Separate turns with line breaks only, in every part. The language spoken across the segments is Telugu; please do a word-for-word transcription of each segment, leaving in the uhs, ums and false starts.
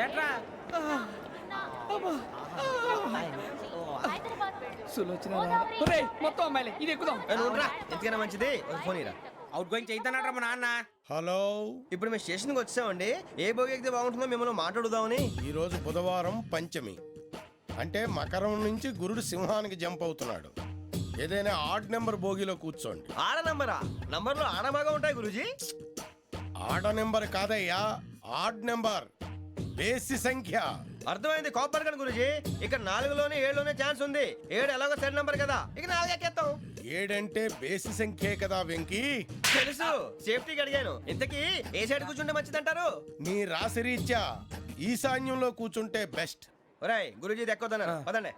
మొత్తం అమ్మాయిలే ఇది ఎక్కుదాం.
ఎందుకైనా మంచిది ఫోన్ ఇరా.
అవుట్ గోయింగ్ చేద్దానట్రా మా నాన్న.
హలో,
ఇప్పుడు మేము స్టేషన్కి వచ్చామండి. ఏ బోగి ఎక్కితే బాగుంటుందో మిమ్మల్ని మాట్లాడుదామని.
ఈ రోజు బుధవారం పంచమి, అంటే మకరం నుంచి గురుడు సింహానికి జంప్ అవుతున్నాడు. ఏదైనా ఆడ్ నెంబర్ బోగిలో కూర్చోండి.
ఆడ నంబరా? నంబర్లు ఆడ బాగా ఉంటాయి గురూజీ.
ఆడ నెంబర్ కాదయ్యా, ఆడ్ నెంబర్, బేసి సంఖ్య.
అర్థమైంది కాపర్ కానీ గురూజీ. ఇక్కడ నాలుగులోనే ఏడులోనే ఛాన్స్ ఉంది. ఏడు ఎలాగో సెడ్ నంబర్ కదా, ఇక నాలుగు ఎక్కేస్తాం.
ఏడంటే బేసి సంఖ్యే కదా వెంకీ.
తెలుసు, సేఫ్టీకి అడిగాను. ఇంతకీ ఏ సైడ్ కూర్చుంటే మంచిదంటారు?
నీ రాశి రీత్యా ఈశాన్యంలో కూర్చుంటే బెస్ట్.
ఒరేయ్ గురూజీ దెక్కొద్దన్నారు పదండి.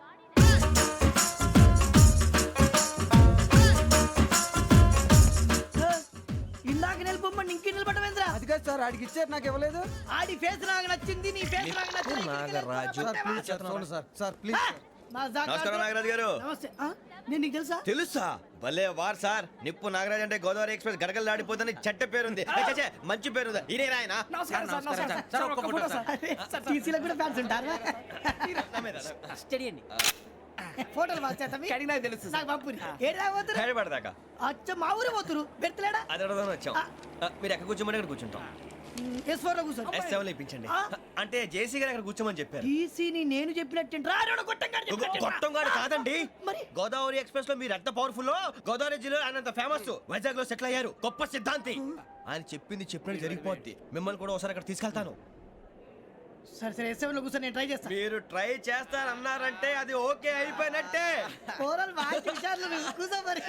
ఇందాక నిలబొమ్మని ఇంకే నిలబడమేంద్రా?
అది కాదు సార్, ఆడికి ఇచ్చారు నాకు ఇవ్వలేదు.
ఆడి ఫేస్ నాకు నచ్చింది, నీ ఫేస్ నాకు నచ్చింది.
Nagaraju
sir sir please.
నా జాగా-
నమస్కారం నాగరాజు గారు.
నమస్తే. ఆ? నేను నీకు తెలుసా?
తెలుసా? భలే వార్ సార్. నిప్పు నాగరాజ్ అంటే గోదావరి ఎక్స్ప్రెస్ గడగలు దాడిపోతుంది చెట్ట పేరుంది. ఏ, ఛే, ఛే, మంచి పేరుంది. ఇదే ఆయన.
నమస్కారం సార్, నమస్కారం సార్.
సార్, ఒక్క ఫోటో సార్.
అరే, టీసీలో కూడా ఫ్యాన్స్ ఉంటారా?
స్టడీ అండి.
ఫోటోలు మార్చేస్తాం.
కడిగి నాకు తెలుసు
నాకు పంపుని. ఏడు రాబోతురు?
హైదరాబాద్దాకా
అచ్చ మా ఊరు పోతురు. బెర్తలేడా?
అది అడగదామని వచ్చాం. ఆ, మీరు ఎక్కడ కూర్చోమని అక్కడ కూర్చుంటాం.
ఎస్ ఫోర్ లో కూర్చోండి.
ఎస్ సెవెన్ లో ఇప్పించండి.
ఆ?
అంటే జేసీ గారు అక్కడ కూర్చోమని చెప్పారు.
టీసీని నేను చెప్పినట్టు రాడు కొట్టంగాడు.
గొట్టం గారు కాదండి.
మరి?
గోదావరి ఎక్స్ప్రెస్ లో మీరు ఎంత పవర్ఫుల్. గోదావరి జిల్లా ఆయన అంత ఫేమస్. వైజాగ్ లో సెటిల్ అయ్యారు. గొప్ప సిద్ధాంతి. ఆయన చెప్పింది చెప్పినట్టు జరిగిపోద్ది. మిమ్మల్ని కూడా ఒకసారి అక్కడ తీసుకెళ్తాను.
సరే సరే ఎస్ సెవెన్ లో కూర్చొని నేను ట్రై చేస్తాను.
మీరు ట్రై చేస్తారన్నారంటే అది ఓకే అయిపోయినట్టే.
ఓవరాల్ వాటి విషయాలు కూర్చో మరి.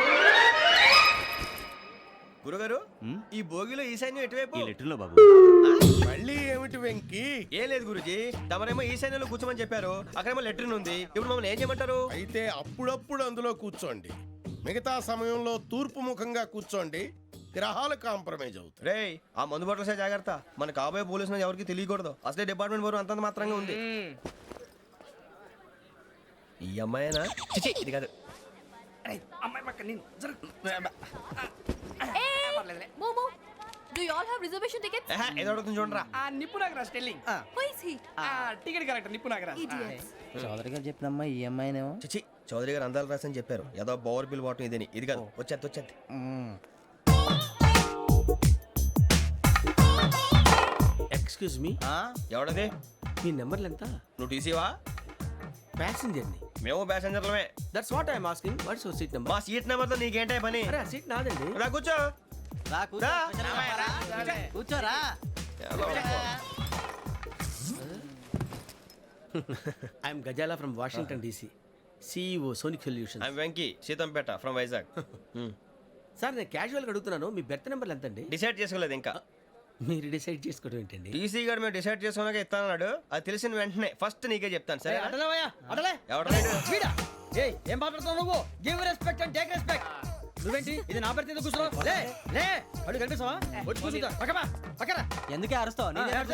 గురుగారు, ఈ భోగిలో ఈశాన్యం ఎటువైపు?
బాబు
మళ్ళీ ఏమిటి వెంకీ?
ఏం లేదు గురుజీ, తమరేమో ఈశాన్యంలో కూర్చోమని చెప్పారు. అక్కడేమో లెట్రిన్ ఉంది. ఇప్పుడు మమ్మల్ని ఏం చేయమంటారు?
అయితే అప్పుడప్పుడు అందులో కూర్చోండి. మిగతా సమయంలో తూర్పు ముఖంగా కూర్చోండి. గ్రహాలు కాంప్రమైజ్ అవుతాయి.
రేయ్, ఆ మందు బట్టలసే జాగ్రత్త. మన కాబోయే పోలీసులు ఎవరికి తెలియకూడదు. అసలే డిపార్ట్మెంట్ బోరు అంతంత మాత్రంగా ఉంది. ఈ అమ్మాయినా? చిచి, ఇది కాదు.
అమ్మాయి పక్క నేను
Momo, do you all have reservation tickets?
ఏహే, ఏదో అడుగుతుంది చూడరా.
ఆ నిప్పు Nagaraj telling.
Who is he?
ఆ టికెట్ కరెక్ట్ నిప్పు నాగరాజ్.
Idiots.
చౌదరి గారు చెప్పినమ్మా ఈ అమ్మాయినేమో.
చిచి, చౌదరి గారు అందాలు రాసని చెప్పారు. ఏదో బోర్ బిల్ బాటం ఇదని. ఇది కాదు, వచ్చేది వచ్చేది.
Excuse me,
ఎవడది?
మీ నెంబర్లు ఎంత?
నువ్వు టీసీవా?
ప్యాసింజర్ ని.
మేము ప్యాసెంజర్లమే.
That's what I'm asking. What's your seat number?
మా సీట్ నెంబర్ తో నీకేంటే పని?
అరే ఆ సీట్ నాదండి.
రా కూర్చో.
రా కూర్చో.
రా.
కూర్చోరా.
I'm Gazala from Washington DC, CEO Sonic solution.
I'm Venky, Seethampeta from Vizag.
Sir నేను క్యాజువల్గా అడుగుతున్నాను, మీ బెర్త్ నెంబర్లు ఎంత అండి?
డిసైడ్ చేసుకోలేదు ఇంకా.
మీరు డిసైడ్ చేసుకోవడం ఏంటండి?
టీసీ గారు మేము డిసైడ్ చేసుకున్నాక ఇస్తానన్నాడు. అది తెలిసిన వెంటనే ఫస్ట్ నీకే చెప్తాను. సరే
అడలేవయ్యా, అడలే.
ఎవడ
వీడా? ఏయ్, ఏం మాట్లాడుతున్నావు నువ్వు? Give respect and take respect. నువ్వేంటి ఇది నా పరిస్థితి కూర్చున్నావు? లే లే, అడుగు కనిపిస్తావా? వచ్చి కూర్చుంటా. పక్కమా పక్కరా.
ఎందుకే అరుస్తావు?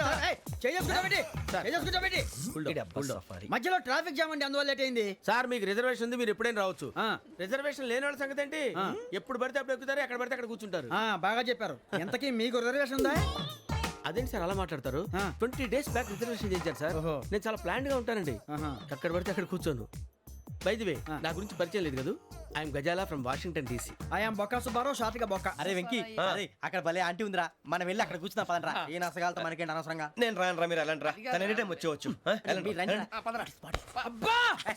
మధ్యలో ట్రాఫిక్ జామ్ అండి, అందువల్ల లేట్ అయింది.
సార్ మీకు రిజర్వేషన్ ఉంది, మీరు ఎప్పుడైనా రావచ్చు. రిజర్వేషన్ లేని వాళ్ళ సంగతి ఏంటి? ఎప్పుడు పడితే అప్పుడు ఎక్కుతారు, ఎక్కడ పడితే అక్కడ కూర్చుంటారు.
బాగా చెప్పారు. ఎంతకీ మీకు రిజర్వేషన్ ఉందా?
అదేంటి సార్ అలా మాట్లాడతారు? ట్వంటీ డేస్ బ్యాక్ రిజర్వేషన్ చేశారు సార్. నేను చాలా ప్లాన్ గా ఉంటానండి. అక్కడ పడితే అక్కడ కూర్చోను. బై ది వే, నా గురించి పరిచయం లేదు కదా. I'm Gazala from Washington DC.
I'm Bokka Subbarao, షార్ట్గా బొక్క.
అరే వెంకీ, అరే అక్కడ భలే ఆంటీ ఉందిరా, మనం వెళ్ళి అక్కడ కూర్చున్నా పదనరా. ఏ నసగాలతో మనకేంటి అనవసరంగా.
నేను రాను రా, మీరు వెళ్ళండి రా. తన ఎనీ టైం వచ్చేవచ్చు. ఆ, వెళ్ళండి,
మీరు రండి రా.
వెళ్ళండి.
అబ్బా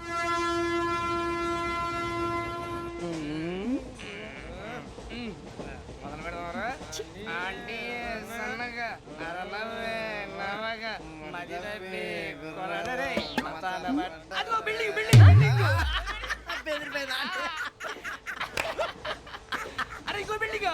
మొదలు పెడదామరా. ఆంటీ సన్నగా అరలవే నవగా మదిరపి కొరడరే మతాల బట్ట. అదిగో బిల్డింగ్ బిల్డింగ్ బిల్డింగ్. అరే ఇంకో బిల్డింగ్.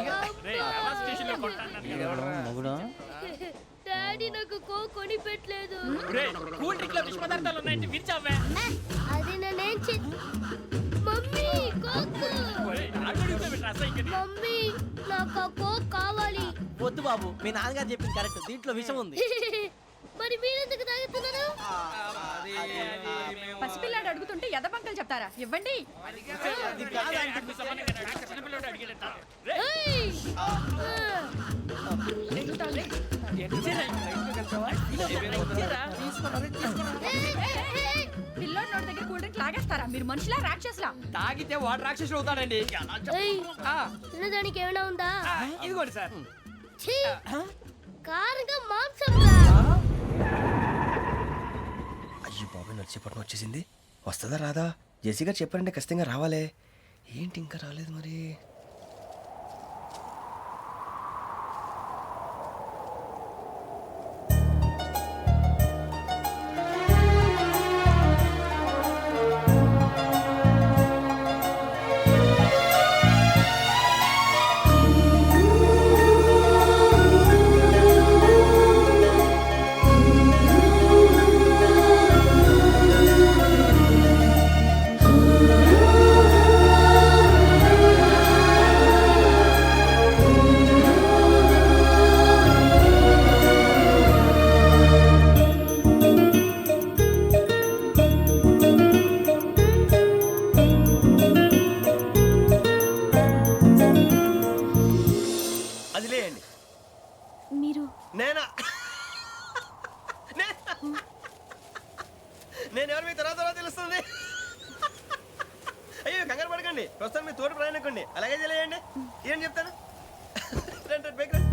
మొగుడు
డాడీ నాకు కో కొని పెట్టలేదు.
కూల్ డ్రింక్ లో విష పదార్థాలు ఉన్నాయంటే విరిచావే.
అది నేనేం చే మమ్మీ కోక్. మమ్మీ నాకు ఆ కోక్ కావాలి.
వద్దు బాబు, మీ నాన్నగారు చెప్పింది కరెక్ట్, దీంట్లో విషయం ఉంది.
మరి మీరెందుకు తాగుతున్నారు?
పసిపిల్లాడు అడుగుతుంటే ఎదబంకలు చెప్తారా? ఇవ్వండి.
ఏయ్!
తాగేస్తారా మీరు మనుషులా రాక్షసులా?
తాగితే వాడు రాక్షసుడు అవుతాడండి.
ఏయ్,
ఆ,
తినడానికి ఏమైనా ఉందా?
ఆ, ఇదిగోండి సార్.
ఛీ! కారంగా మాంసం రా.
అయ్యో బాబాయ్ నడిచేపట్నం వచ్చేసింది. వస్తుందా రాదా? జెసీ గారు చెప్పారంటే ఖచ్చితంగా రావాలే. ఏంటి ఇంకా రాలేదు మరి? అది లేయండి.
మీరు
నేనా? నేనా? నేను ఎవరు మీ తర్వాత తర్వాత తెలుస్తుంది. అయ్యో కంగారు పడకండి, ప్రస్తుతం మీ తోటి ప్రయాణకండి. అలాగే తెలియండి. ఏం చెప్తాను? రండి, రండి, బైక్ రండి.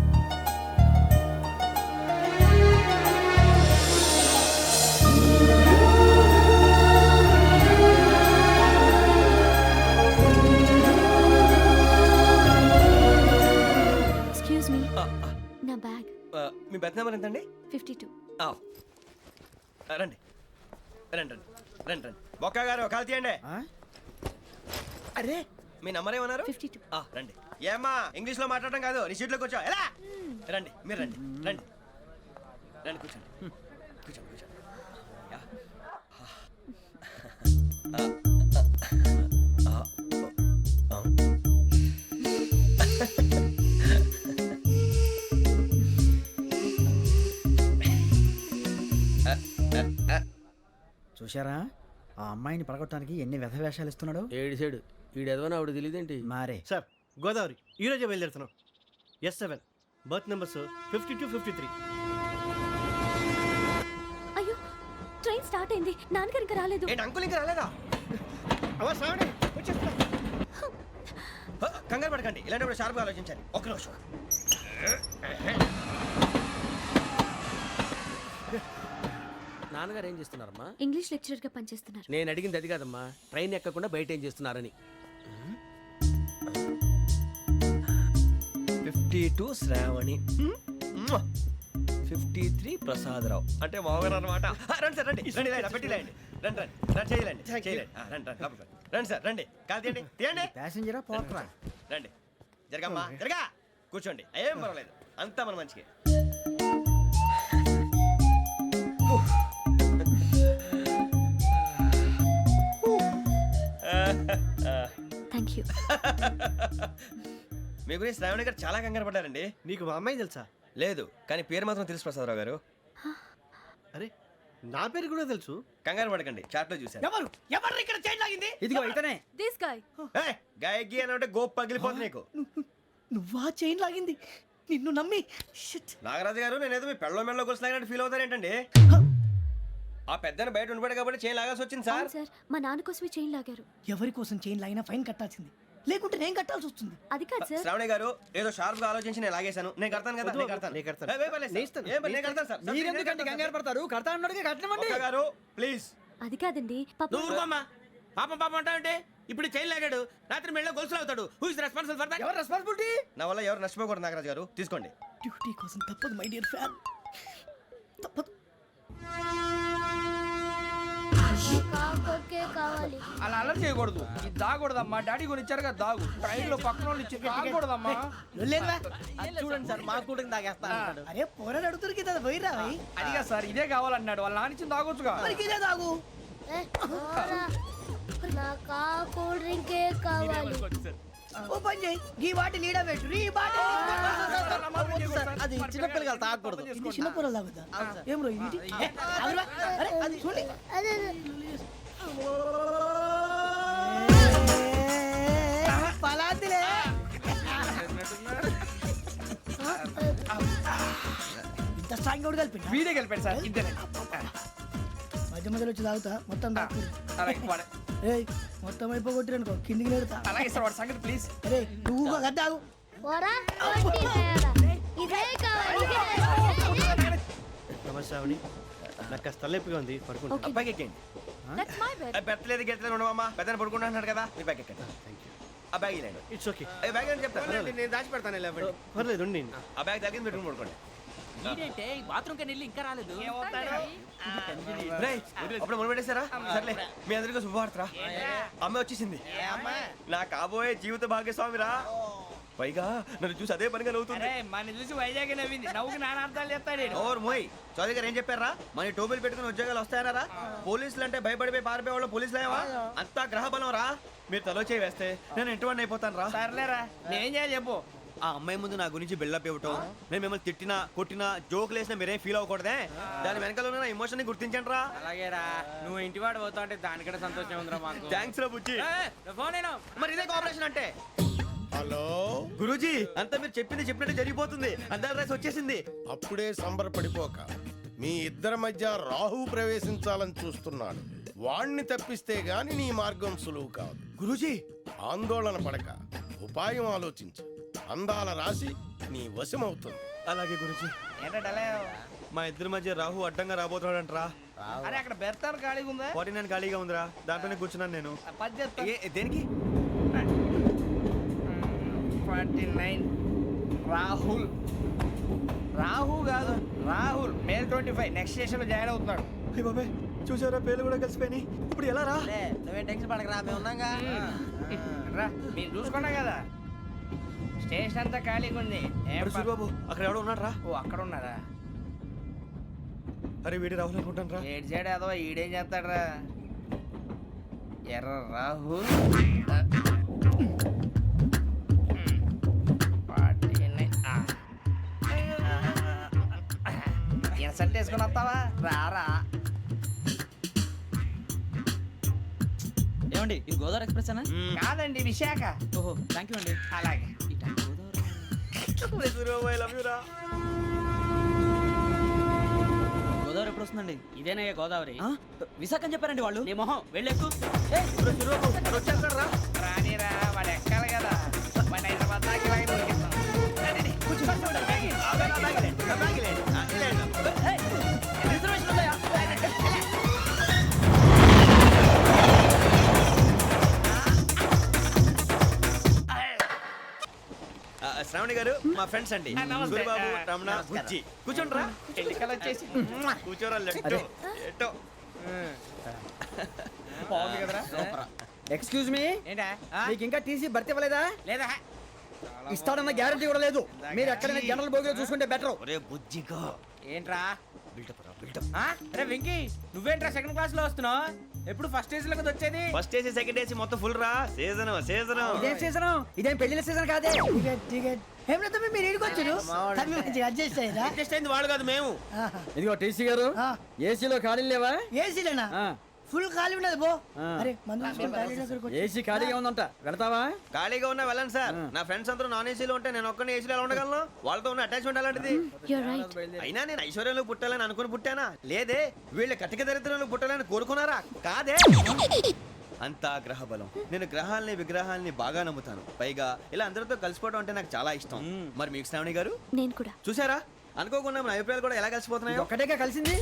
ఎక్స్క్యూజ్ మీ,
ఆ, ఆ,
నా బ్యాగ్
ఆ, మీ బెత్ నెంబర్ ఎంతండి?
Fifty two.
ఆ, రండి రండి రండి రండి రండి బొక్క గారు కాల్ తీయండి. అరే మీ నంబర్ ఏమన్నారు?
Fifty two.
ఆ, రండి. ఏమ్మా ఇంగ్లీష్ లో మాట్లాడడం కాదు, నీ సీట్లో కూర్చో. ఎలా రండి, మీరు రండి రండి రండి కూర్చోండి కూర్చోండి కూర్చోండి. యా. ఆ, ఆ, ఆ, ఆ.
చూశారా ఆ అమ్మాయిని పడగొట్టడానికి ఎన్ని వ్యధ వేషాలు ఇస్తున్నాడు.
ఏడు సైడు ఈడెదవని ఆవిడ తెలియదేంటి?
మారే
సార్ గోదావరి ఈరోజే బయలుదేరుతున్నాం. S seven berth numbers fifty two fifty three.
అయ్యో, ట్రైన్ స్టార్ట్ అయింది. నాన్నగారు ఇంకా రాలేదు.
ఏంటి అంకుల్ ఇంకా రాలేదా? అవ్వ శ్రావణి వచ్చేస్తున్నా. హ, కంగారు పడకండి, ఇలాంటప్పుడు షార్ప్గా ఆలోచించాలి. ఒక్క నిమిషం.
నాన్నగారు ఏం చేస్తున్నారమ్మా?
ఇంగ్లీష్ లెక్చరర్ గా పనిచేస్తున్నారు.
నేను అడిగింది అది కాదమ్మా, ట్రైన్ ఎక్కకుండా బయట ఏం చేస్తున్నారని.
Fifty two Shravani, fifty three Prasadarao అంటే మామగారు అనమాట. రండి సార్ రండి రండి ఇలా పెట్టి లేండి. రండి రండి రండి చేయలేండి చేయలేండి. ఆ, రండి రండి లోపలికి రండి. రండి సార్ రండి, కాల్ తీయండి తీయండి.
ప్యాసింజరా పోట్రా.
రండి జరగమ్మా జరగా కూర్చోండి, ఏం పర్వాలేదు, అంతా మన మంచిగా.
Thank you.
మీ గురించి శ్రావణి గారు చాలా కంగారు పడ్డారండి.
నీకు మా అమ్మాయి తెలుసా?
లేదు, కానీ పేరు మాత్రం తెలుసు ప్రసాదరావు గారు.
అరే నా పేరు కూడా తెలుసు.
కంగారు పడకండి, చాట్లో చూశాను.
ఎవరు ఎవరు ఇక్కడ చైన్ లాగింది?
ఇదిగో ఇతనే.
This guy.
ఏయ్, గాయకి అని అంటే గోప్ పగిలిపోతుంది నీకు.
నువ్వా చైన్ లాగింది? నిన్ను నమ్మి షిట్.
నాగరాజు గారు నేనేదో మీ పెళ్ళ మెళ్ళ గురిసిలాగినట్టు ఫీల్ అవుతారేంటండి? ఆ పెద్దని బయట ఉండిపోయాడు కాబట్టి చైన్ లాగాల్సి వచ్చింది సార్.
అవును సార్, మా నాన్న కోసమే చైన్ లాగారు.
ఎవరి కోసం చైన్ లాగినా ఫైన్ కట్టాల్సింది, లేకుంటే నేను కట్టాల్సి వస్తుంది.
అది కాదు సార్.
శ్రావణి గారు ఏదో షార్ప్ గా ఆలోచించి నేను లాగేశాను. నేను కడతాను కదా, నేను కడతాను.
నేను కడతాను.
ఏయ్, వేయ్ పర్లేదు సార్. ఏం పర్లేదు, నేను కడతాను సార్.
మీరెందుకంటే కంగారు పడతారు? కడతా అన్నాడుగా కట్టమండి.
ఒక్క గారు ప్లీజ్.
అది కాదండి పాపం.
నువ్వు ఊరుకోమ్మా. పాపం పాపం అంటావంటే ఇప్పుడు చైన్ లాగాడు, రాత్రి మెళ్ళ గొలుసులు అవుతాడు. Who is responsible for that?
ఎవరు రెస్పాన్సిబిలిటీ?
నా వల్ల ఎవరు నష్టపోకూడదు నాగరాజు గారు, తీసుకోండి.
డ్యూటీ కోసం తప్పదు మై డియర్ ఫ్యాన్, తప్పదు.
కాకొక్కే కావాలి.
అలా అలర్ చేయకూడదు, ఇది దాగకూడదమ్మా. డాడీ కొని ఇచ్చారు కదా దాగు. ట్రైన్ లో పక్కన వాళ్ళు ఇచ్చి దాగకూడదమ్మా.
చూడండి సార్ మా కూడా తాగేస్తా అంటాడు.
అరే పోరాడు అడుగుతారు కదా పోయిరా. అదిగా సార్ ఇదే కావాలన్నాడు, వాళ్ళ నాన్న ఇచ్చింది తాగొచ్చుగా. ఇదే తాగు.
ఏ, పోరా. నాకు ఆ కూల్ డ్రింకే కావాలి.
ఓ పని చేయి, ఈ బాటి లీడ పెట్టు. ఈ బాటి
అది చిన్నపిల్లలు తాగకూడదు.
ఇది చిన్న పొరలు తాగుతా. ఏం రో ఇది? ఏ, ఆగురా. అరే అది చూడండి.
అదే అదే.
పలాతిలే. ఇంత స్ట్రాంగ్ కూడా కలిపి వీడే కలిపాడు సార్. ఇద్దరే మధ్య మధ్యలో వచ్చి తాగుతా మొత్తం తాగు. అలాగే
మొత్తం అయిపోగొట్టిరనుకో కిందికి నేడుతా
అలాగే సార్ వాడి సంగతి ప్లీజ్.
అరే నువ్వు గద్దాగు
పోరా కొట్టి తేడా. ఇదే కావాలి ఇదే.
నమస్తే ఆవిడ నాకు కాస్త తలెప్పిగా ఉంది పడుకుంటా
అబ్బాయికి ఎక్కండి.
That's my bed.
ఆ, పెట్టలేదు గెట్టలేదు ఉండవమ్మా పెద్దని పడుకుంటున్నాడు కదా మీ బ్యాగ్ ఎక్కండి. ఆ బ్యాగ్ ఇలాండి
ఇట్స్ ఓకే
ఆ బ్యాగ్ అని చెప్తాను
నేను దాచి పెడతాను లేవండి.
పర్లేదు ఉండి
ఆ బ్యాగ్ తగ్గింది పెట్టుకుని పడుకోండి.
బాత్రూమ్ కని వెళ్ళి ఇంకా రాలేదు.
రేయ్, అప్పుడు మొదలు పెట్టేశారా? సర్లే మీ అందరికీ శుభవార్తరా. అమ్మ వచ్చేసింది. నా కాబోయే జీవిత భాగ్యస్వామిరా. పైగా నన్ను చూసి అదే పనిగా నవ్వుతుంది.
అరే మన చూసి వైజాగ్ నవ్వింది. నవ్వుకి నాన్న అర్థాలు చెప్తాడు ఈడు.
ఓర్ మోయ్ చౌదరి గారు ఏం చెప్పారా? మన టోబీలు పెట్టుకుని ఉద్యోగాలు వస్తాయనరా? పోలీసులు అంటే భయపడిపోయి పారిపోయే వాళ్ళు పోలీసులు ఏవా? అంతా గ్రహ బలం రా. మీరు తలో చేయి వేస్తే నేను ఇంటివాడిని అయిపోతాను రా.
సర్లేరా నేనేం చేయాలి చెప్పు.
ఆ అమ్మాయి ముందు నా గురించి బిల్డప్ ఇవ్వటం, నేను మిమ్మల్ని తిట్టినా కొట్టినా జోకులు వేసినా మీరేం ఫీల్ అవ్వకూడదే. దాని వెనకాల ఉన్న ఎమోషన్ ని గుర్తించండి రా.
అలాగేరా నువ్వు ఇంటివాడు పోతా అంటే దానికంటే సంతోషం ఉందిరా మాకు.
థ్యాంక్స్ రా బుజ్జి.
ఫోన్ అయినా
మరి ఇదే కోఆపరేషన్ అంటే.
హలో,
గురూజీ అంతా మీరు చెప్పింది చెప్పినట్టు జరిగిపోతుంది. అందాల రైస్ వచ్చేసింది.
అప్పుడే సంబరపడిపోక. మీ ఇద్దరి మధ్య రాహు ప్రవేశించాలని చూస్తున్నాడు. వాణ్ణి తప్పిస్తే గాని నీ మార్గం సులువు కాదు.
గురూజీ
ఆందోళన పడక ఉపాయం ఆలోచించు. అందాల రాశి నీ వశమవుతుంది.
అలాగే గురూజీ.
ఏంటంటే
మా ఇద్దరి మధ్య రాహు అడ్డంగా రాబోతున్నాడంట్రా.
అరే అక్కడ బెర్తాను ఖాళీగా ఉందా?
ఫార్టీ నైన్ ఖాళీగా ఉందిరా, దాంట్లోనే కూర్చున్నాను నేను.
పది చెప్తా.
ఏ దేనికి?
ఫార్టీ నైన్ రాహుల్ రాహు కాదు Rahul May twenty five next station లో జాయిన్ అవుతున్నాడు.
అయ్య బాబాయ్ చూసారా పేర్లు కూడా కలిసిపోయినాయి. ఇప్పుడు ఎలా రా?
నువ్వేం టెన్షన్ పడకరా మేము ఉన్నాగా.
రా మీరు చూసుకున్నా కదా స్టేషన్ అంతా ఖాళీగా ఉంది. ఏం
అరే
ప-
సూరిబాబు అక్కడ ఎవడో ఉన్నాడు రా.
ఓ అక్కడ ఉన్నారా?
అరే వీడి రాహుల్ అనుకుంటాను రా.
ఏడు సైడ్ ఏదో ఈడేం చేస్తాడరా? ఎర్ర రాహుల్ ఇన్సల్ట్ వేసుకుని వస్తావా? రారా.
ఏమండి ఇది గోదావరి ఎక్స్ప్రెస్ అనా?
కాదండి విశాఖ.
ఓహో థ్యాంక్ యూ అండి.
అలాగే
సూరిబాబు ఐ లవ్ యు రా.
గోదావరి ఎప్పుడు వస్తుందండి?
ఇదేనయ్య గోదావరి.
విశాఖ అని చెప్పారండి వాళ్ళు.
నీ మొహం వెళ్ళెక్కు.
వచ్చేస్తాడు రా.
రానిరా వాడు ఎక్కాలి కదా. వాడిని హైదరాబాద్ దాకా ఇలాగే దొరికిస్తాం. రండి, రండి. కూర్చో, కూర్చో, బ్యాగ్ ఇయ్యి.
ఆ బ్యాగ్, ఆ బ్యాగ్ ఇలాండి, ఆ బ్యాగ్ ఇలాండి, ఆ ఇలాండి.
రిజర్వేషన్ ఉందా?
ఆ, శ్రావణి గారు మా ఫ్రెండ్స్ అండి.
ఆ, నమస్తే.
సూరిబాబు
ఆ,
రమణ బుజ్జి కూర్చోండి రా.
ఎన్నికలు వచ్చేసి
కూర్చోరా లెట్టో ఎట్టో.
బాగుంది కదరా?
ఎక్స్క్యూజ్ మీ,
ఏంటా?
మీకు ఇంకా టీసీ భర్తీ ఇవ్వలేదా?
లేదా
ఇస్తాడన్న గ్యారంటీ కూడా లేదు. మీరు ఎక్కడైనా జనరల్ బోగిలో చూసుకుంటే బెటర్.
ఒరే బుజ్జిగా
ఏంట్రా?
బిల్డప్ రా బిల్డప్.
ఆ? అరే వెంకీ నువ్వేంట్రా సెకండ్ క్లాస్ లో వస్తున్నావు? ఎప్పుడు ఫస్ట్ ఏజ్ లో కదా వచ్చేది?
ఫస్ట్ ఏసీ సెకండ్ ఏసీ మొత్తం ఫుల్ రా. Season season.
ఇదేం సీజన్? ఇదేం పెళ్లిన సీజన్ కాదే. టికెట్ టికెట్ ఏం లేదు మీరు ఇడికొచ్చారు. అడ్జస్ట్ అయ్యారా?
అడ్జస్ట్ అయింది వాళ్ళు కాదు మేము.
ఇదిగో టీసీ గారు, ఏసీలో ఖాళీ లేవా?
ఏసీలేనా? ఫుల్ ఖాళీ ఉండదు బో. అరే మందు
ఏసీ ఖాళీగా ఉందంట, వెళతావా?
ఖాళీగా ఉన్నా వెళ్ళండి సార్. నా ఫ్రెండ్స్ అందరూ నాన్ ఏసీలో ఉంటే నేను ఒక్కనే ఏసీలో ఎలా ఉండగలను? వాళ్ళతో ఉన్న అటాచ్మెంట్ అలాంటిది.
You're right.
అయినా నేను ఐశ్వర్యంలో పుట్టాలని అనుకుని పుట్టానా? లేదే. వీళ్ళ కటిక దరిద్రంలో పుట్టాలని కోరుకున్నారా? కాదే. అంతా గ్రహ బలం. నేను గ్రహాలని విగ్రహాలని బాగా నమ్ముతాను. పైగా ఇలా అందరితో కలిసిపోవడం అంటే నాకు చాలా ఇష్టం. మరి మీకు శ్రావణి గారు
నేను కూడా.
చూసారా? అనుకోకుండా మన అభిప్రాయాలు కూడా ఎలా కలిసిపోతున్నాయో.
ఒక్కటేగా కలిసింది.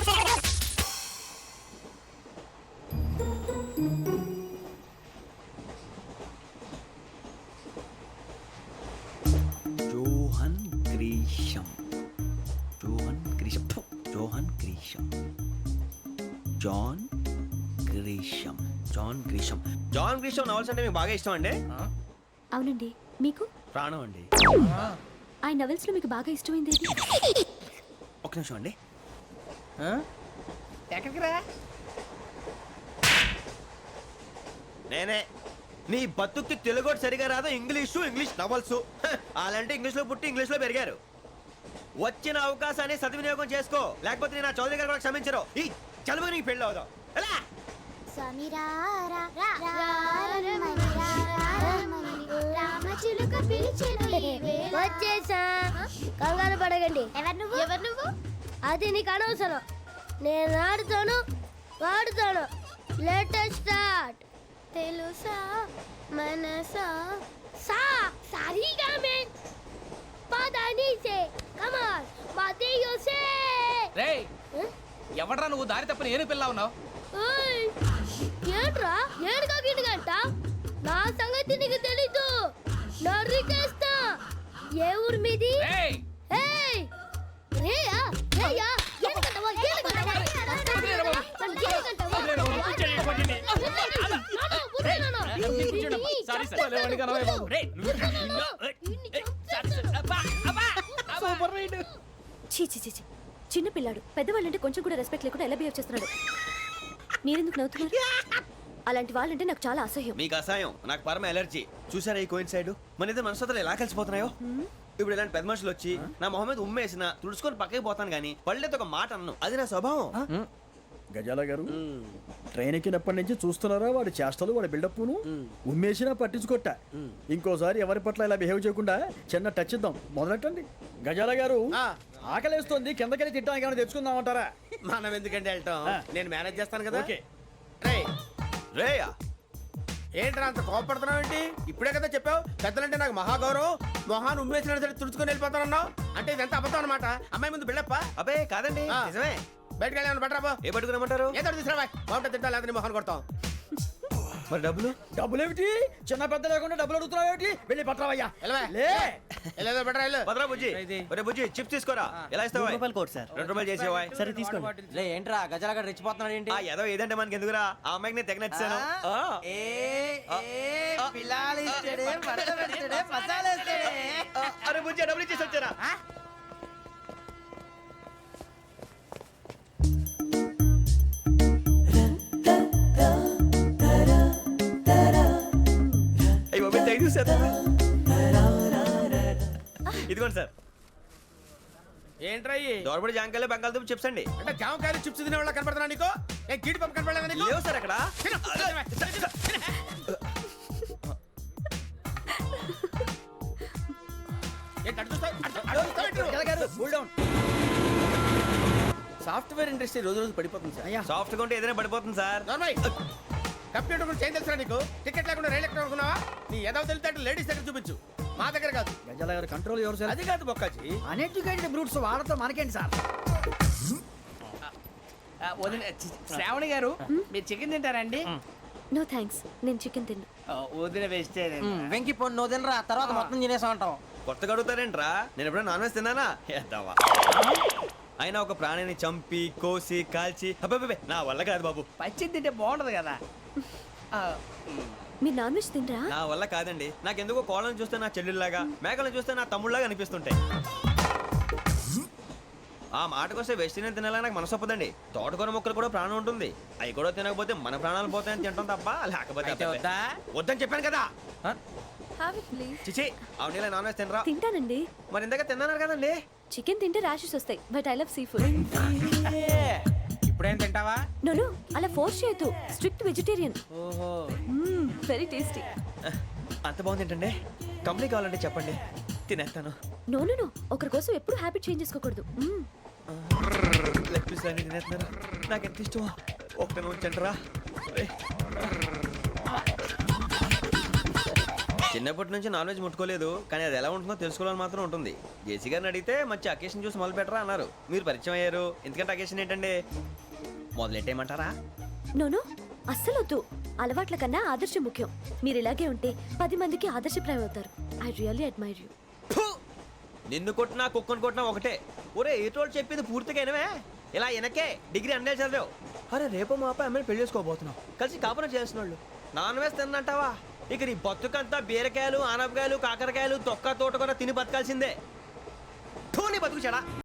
జోహన్ గ్రీషం జోహన్ గ్రీషం ఫు, John Grisham John Grisham John Grisham John గ్రీషం నవల్స్ అంటే మీకు బాగా ఇష్టం అండి?
అవునండి. మీకు?
ప్రాణం అండి.
ఆ నవెల్స్ లో మీకు బాగా ఇష్టమైంది ఏది?
ఒక నిమిషం అండి.
ఎక్కడికి రా?
నేనే. నీ బతుక్కి తెలుగు కూడా సరిగా రాదు. English English novels. అలాంటి ఇంగ్లీష్లో పుట్టి ఇంగ్లీష్లో పెరిగారు. వచ్చిన అవకాశాన్ని సద్వినియోగం చేసుకో, లేకపోతే నేను నా చౌదరి గారు కూడా క్షమించరు. ఈ చదువు నీకు పెళ్ళి అవుదాం. ఎలా?
వచ్చేసా, కంగారు పడకండి. ఎవరు నువ్వు? ఎవరు నువ్వు? అది నీకు అనవసరం. నేను ఆడుతాను, వాడుతాను. Latest start. తెలుసా మనసా సా సారీగా మెన్ పదని సే కమాన్ మాదేయో సే
రేయ్ ఎవడ్రా నువ్వు దారి తప్పని ఏను పిల్ల ఉన్నావు?
ఓయ్ ఏంట్రా ఏడుగా గిడుగంట నా సంగతి నీకు తెలీదు నరికేస్తా ఏ ఊరు మీది
రేయ్
ఏయ్ రేయా రేయా ఏడుగంటవా ఏడుగంటవా
సారీ సార్ రేయ్ సూపర్ రైడ్.
చీ చీ చీ చీ. చిన్న పిల్లాడు పెద్దవాళ్ళంటే కొంచెం కూడా రెస్పెక్ట్ లేకుండా ఎలా బిహేవ్ చేస్తున్నాడు. మీరెందుకు నవ్వుతున్నారు? అలాంటి వాళ్ళంటే నాకు చాలా అసహ్యం.
మీకు అసహాయం, నాకు పరమ ఎలర్జీ. చూసారా ఈ కోయిన్ సైడ్ మన ఇద్దరు మనసులు ఎలా కలిసిపోతున్నాయో. ఇప్పుడు ఇలాంటి పెద్ద మనుషులు వచ్చి నా మొహం మీద ఉమ్మేసిన తుడుచుకొని పక్కకి పోతాను కానీ పళ్ళేతో ఒక మాట అన్ను. అది నా స్వభావం.
గజాల గారు ట్రైన్ ఎక్కినప్పటి నుంచి చూస్తున్నారా వాడి చేష్టలు వాడి బిల్డప్ను ఉమ్మేసినా పట్టించుకోట. ఇంకోసారి ఎవరి పట్ల ఇలా బిహేవ్ చేయకుండా చిన్న టచ్ ఇద్దాం. మొదలెట్టండి. గజాల గారు ఆకలేస్తోంది, కిందకెళ్ళి తిట్టడానికి ఏమైనా తెచ్చుకుందామంటారా?
మనం ఎందుకంటే వెళ్తాం, నేను మేనేజ్ చేస్తాను కదా.
ఓకే.
రేయ్
రేయా
ఏంట్రా అంత కోపడుతున్నావు ఏంటి? ఇప్పుడే కదా చెప్పావు పెద్దలంటే నాకు మహాగౌరవం, మొహాన్ని ఉమ్మేసిన సరే తుడుచుకొని వెళ్ళిపోతానన్నావు. అంటే ఇదంతా అబద్ధం అనమాట. అమ్మాయి ముందు బిల్డప్ప.
అబే కాదండి,
ఆ.
నిజమే.
బయటకు వెళ్ళాను బట్రాబో.
ఏ పట్టుకురమ్మంటారు?
ఏదో తీసుకురా బాగుంటుంది తింటా లేదా మొహన్ కొడతాం.
మరి డబ్బులు?
డబ్బులు ఏమిటి? చిన్న పెద్ద లేకుండా డబ్బులు అడుగుతున్నావు ఏమిటి? వెళ్ళి పట్టరావయ్యా.
వెళ్ళవా?
లే
వెళ్ళేదో బట్రా వెళ్ళు.
భద్రా బుజ్జి, ఒరే బుజ్జి చిప్స్ తీసుకోరా. ఎలా ఇస్తావా?
రూపాయలు కోట్ సార్.
రెండు రూపాయలు చేసేవా?
సరే తీసుకోండి. లే ఏంట్రా గజాల గడ రెచ్చిపోతున్నాడు ఏంటి?
ఆ ఏదో ఏదంటే మనకి ఎందుకురా, ఆ అమ్మాయికి నేను తెగ నచ్చాను. ఆ. ఆ, అరే బుజ్జి డబ్బులు ఇచ్చేసి వచ్చారా? అయ్యి బాబు థ్యాంక్ యూ సార్. ఇదిగోండి సార్.
ఏంట్రా ఇయి?
దోరబడి జాంకాయలు బంగాళదుంప చిప్స్ అండి.
అంటే జామకాయలు చిప్స్ తినే వాళ్ళ కనపడుతున్నా నీకు? ఏ గీడి పంప కనపడలేదా నీకు?
లేవు సార్ అక్కడ.
తిను, తిను, తిను. ఏంటి అటు చూస్తావు? అటు- అటు చూస్తావు ఏంటి నువ్వు?
గజాల గారు కూల్ డౌన్.
సాఫ్ట్వేర్ ఇండస్ట్రీ రోజు రోజు పడిపోతుంది సార్.
అయ్యా
సాఫ్ట్ గా ఉంటే ఏదైనా పడిపోతుంది సార్.
నార్మల్ కంప్యూటర్ గురించి ఏం తెలుసా నీకు? టికెట్ లేకుండా రైలు ఎక్కడ అనుకున్నావా? నీ ఏదో తెలితే లేడీస్ దగ్గర చూపించు, మా దగ్గర కాదు.
గజాల గారు కంట్రోల్ ఎవరు సార్?
అది కాదు బొక్కాజీ.
అన్ఎడ్యుకేటెడ్ బ్రూట్స్ వాళ్ళతో మనకేంటి సార్?
వదిన చి- శ్రావణి గారు మీరు చికెన్ తింటారండి?
నో థ్యాంక్స్, నేను చికెన్ తిన్నా.
ఆ, వదిన వేస్తే
వెంకి పొన్ను నువ్వు తినరా, తర్వాత మొత్తం తినేసా ఉంటాం.
కొత్తగా అడుగుతారేంట్రా? నేను ఎప్పుడైనా నాన్ వెజ్ తిన్నానా? ఎద్దావా. అయినా ఒక ప్రాణిని చంపి కోసి కాల్చి అబ్బబ్బబ్బే, నా వల్ల కాదు బాబు.
పచ్చి తింటే బాగుంటది కదా. ఆ,
మీరు నాన్ వెజ్ తినరా?
నా వల్ల కాదండి. నాకెందుకో కోళ్ళని చూస్తే నా చెల్లెళ్ళలాగా, మేకలను చూస్తే నా తమ్ముళ్ళలాగా అనిపిస్తుంటాయి. ఆ మాటకొస్తే వెస్టిరియన్ తినాలని నాకు మనసు ఒప్పదండి. తోటకూర మొక్కలు కూడా ప్రాణం ఉంటుంది. అవి కూడా తినకపోతే మన ప్రాణాలు పోతాయని తింటాం తప్ప లేకపోతే
అయితే
అబ్బబ్బే.
వద్దా?
వద్దని చెప్పాను కదా.
Have it please.
చిచి అవునీ నాన్ వెజ్ తినరా?
తింటానండి.
మరి ఇందాక తిన్నాను కదండి.
చికెన్ తింటే ర్యాషెస్ వస్తాయి, but I love seafood.
ఇప్పుడేం తింటావా?
నో నో, అలా ఫోర్స్ చేయొద్దు. Strict vegetarian.
ఓహో
వెరీ టేస్టీ.
అంత బాగుంది ఏంటండి? కంప్లీట్ కావాలంటే చెప్పండి, తినేస్తాను.
నో నో నో, ఒకరి కోసం ఎప్పుడు హ్యాబిట్ చేంజ్ చేసుకోకూడదు. మ్మ్.
లెగ్ పీస్ అన్ని తినేస్తున్నాను. నాకు ఎంత ఇష్టం. ఒకటే ఉంచండి రా. చిన్నప్పటి నుంచి నాన్ వెజ్ ముట్టుకోలేదు, కానీ అది ఎలా ఉంటుందో తెలుసుకోవాలని మాత్రం ఉంటుంది. జేసీ గారిని అడిగితే మంచి అకేషన్ చూసి మొదలు పెట్టరా అన్నారు. మీరు పరిచయం అయ్యారు, ఎందుకంటే అకేషన్ ఏంటండి? మొదలెట్టేయమంటారా?
నో నో, అస్సలు వద్దు. అలవాట్ల కన్నా ఆదర్శం ముఖ్యం. మీరు ఇలాగే ఉంటే పది మందికి ఆదర్శప్రాయం అవుతారు. I really admire you.
ఫు! నిన్ను కొట్టినా కుక్కను కొట్టినా ఒకటే. ఒరే ఏటోళ్ళు చెప్పింది పూర్తిగా వినవే. ఇలా వెనకే డిగ్రీ అన్నే చదివావు. అరే రేపు మా అబ్బాయి అమ్మని పెళ్లి చేసుకోబోతున్నావు, కలిసి కాపురం చేసిన వాళ్ళు నాన్ వేసి తిన్నంటావా? ఇక నీ బతుకంతా బీరకాయలు ఆనపకాయలు కాకరకాయలు తొక్క తోట కూడా తిని బతకాల్సిందే. నీ బతుకు చెడా.